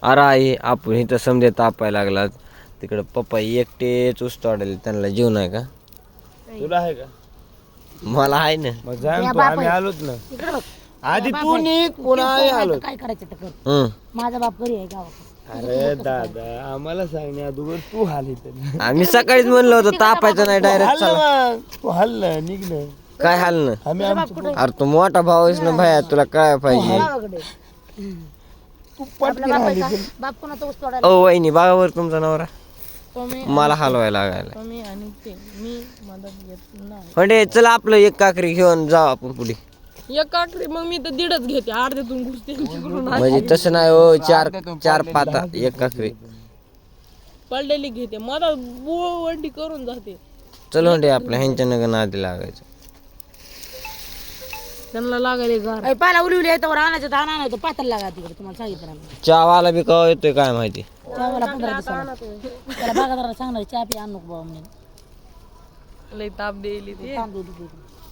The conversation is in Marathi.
अरे आई आपण इथं समजे तापायला लागला तिकडं पप्पा एकटेच ऊस तोडायला त्यांना जीव नाही का तुला आहे का मला आहे ना मग जा ना तू, आम्ही आलोच ना आधी तू निघ पुन्हा आम्ही आलो काय करायचं तर कर. हम्म. माझा बाप घरी आहे गावात. अरे दादा आम्हाला सांगण्या अगोदर तू हाल इथं आम्ही सकाळीच म्हणलं होतं तापायचं नाही डायरेक्ट हाल चला ना मग. तू हाल ना निघ ना काय हाल ना आम्ही आमचं अरे तू मोठा भाऊ आहेस ना भया तुला काय पाहिजे गावाकडे तू पटकन हाल इथं. बाप कोणाचा ऊस तोडायला ओ वहिनी बाबावर तुमचा नवरा तुम्ही मला हलवायला लागायला तुम्ही आणि ते मी मदत घेत नाही म्हणजे चला आपलं एक काकरी घेऊन जाऊ आपण पुढे एक काकडी मग मी तर दीडच घेते अर्ध्यातून घुसते तिकडून म्हणजे तसं नाही हो चार चार पाता एक काकरी पडलेली घेते मला वंडी करून जाते चल म्हणजे आपल्या ह्यांच्या नगर आधी लागायचं त्यांना लागायले गार पाला उली येतो आणायचं तर आणायचं पातळ लागा तिकडे तुम्हाला सांगितलं आम्ही. चहावाला बी कवा येतोय काय माहिती चहाला 15 दिवसाला त्याला बागादाराला सांगणार चहा पी आणू नको बाबा म्हणून लई ताप देईल ती तांदूळ देतो.